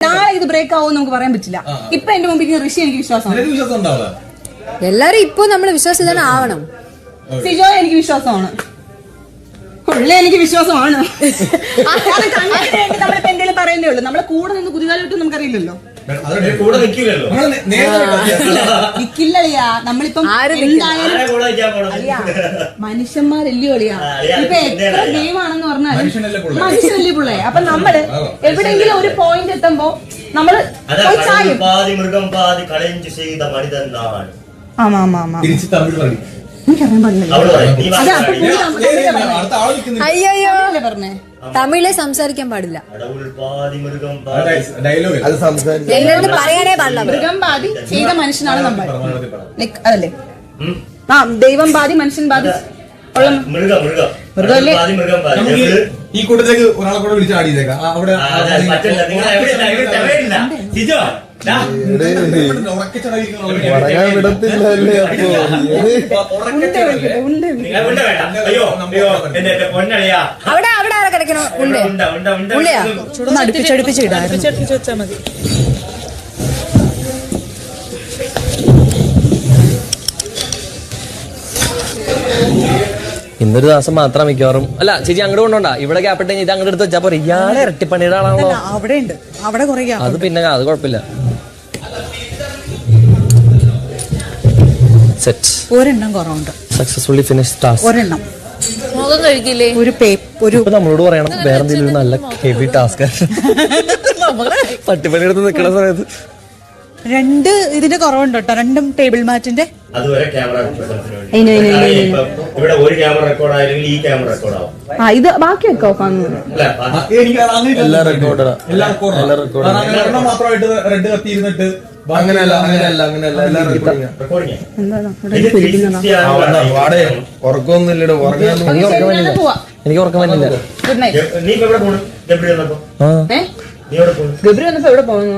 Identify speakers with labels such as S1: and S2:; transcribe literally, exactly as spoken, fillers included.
S1: നാളെ ഇത് ബ്രേക്ക് ആവും നമുക്ക് പറയാൻ പറ്റില്ല. ഇപ്പൊ എന്റെ മുമ്പിൽ ഋഷി എനിക്ക് വിശ്വാസമാണ്.
S2: എല്ലാരും ഇപ്പൊ നമ്മള് വിശ്വാസം ആവണം.
S1: സിജോ എനിക്ക് വിശ്വാസമാണ്, ഉള്ള എനിക്ക് വിശ്വാസമാണ്. നമ്മളിപ്പോ എന്തെങ്കിലും പറയുന്നേ ഉള്ളൂ. നമ്മളെ കൂടെ നിന്ന് കുതികാലിട്ട് നമുക്കറിയില്ലല്ലോ. നിക്കില്ലളിയാ നമ്മളിപ്പം എന്തായാലും മനുഷ്യന്മാരല്ലയോ അളിയാ. ഇപ്പൊ എത്ര ഗെയിമാണെന്ന് പറഞ്ഞാൽ മനുഷ്യനല്ലേ പിള്ളേ. അപ്പൊ നമ്മള് എവിടെയെങ്കിലും ഒരു പോയിന്റ് എത്തുമ്പോ നമ്മള് ആമാ ആമാ ആമാ
S2: അയ്യോ പറഞ്ഞേ, തമിഴിലെ സംസാരിക്കാൻ പാടില്ല, എല്ലാവരും പറയാനേ പാടില്ല.
S1: മൃഗം ബാധി ചെയ്ത മനുഷ്യനാണ് നമ്മൾ, അതല്ലേ? ആ ദൈവം ബാധി മനുഷ്യൻ ബാധി ഉള്ള മൃഗമല്ലേ?
S3: ഈ കൂട്ടത്തിലേക്ക് ഒരാളെ കൂടെ വിളിച്ച് ആടിയതേക്കാം. അവിടെ
S4: വിടത്തില്ലല്ലേ?
S2: അവിടെ അവിടെ ആരെ കിടക്കണോ? ഉള്ളയാ അടുപ്പിച്ചടുപ്പിച്ച് അടുപ്പിച്ചടുപ്പിച്ച് വെച്ചാൽ മതി.
S5: ഇന്നൊരു ദിവസം മാത്രം മിക്കവാറും. അല്ല ചേച്ചി അങ്ങോട്ട് കൊണ്ടോണ്ടാ, ഇവിടെ ഗ്യാപ്പിട്ട് ഇത് അങ്ങോട്ട് എടുത്ത് വെച്ചാ പോരെ. ഇയാളെ ഇരട്ടിപ്പണിയുടെ ആളാണല്ലോ.
S1: അവിടെ ഉണ്ട്, അവിടെ കുറെ
S5: അത് പിന്നെ അത് കുഴപ്പമില്ല. സെറ്റ്
S1: ഒരെണ്ണം കുറവുണ്ട്.
S5: Successfully finish task.
S1: ഒരെണ്ണം
S2: മുഖം കഴിക്കില്ലേ?
S1: ഒരു ഒരു
S5: നമ്മളോട് പറയണം വേറെ എന്തെങ്കിലും നല്ല ഹെവി ടാസ്ക് പട്ടിപ്പണി എടുത്ത് നിൽക്കുന്ന സമയത്ത്.
S1: രണ്ട് ഇതിന്റെ കുറവുണ്ട് കേട്ടോ, രണ്ടും ടേബിൾ മാറ്റിന്റെ. ഇത് ബാക്കിയൊക്കെ ഓഫാണ്.
S3: മാത്രമായിട്ട് റെഡ് കത്തിയിരുന്നിട്ട് അങ്ങനെയല്ല അങ്ങനെയല്ല അങ്ങനെയല്ല
S4: ഉറക്കമൊന്നുമില്ലടോ. ഉറങ്ങാൻ
S5: എനിക്ക് ഉറക്കം വരുന്നില്ല.
S1: ഗബ്രി വന്നപ്പോ എവിടെ പോകുന്നു?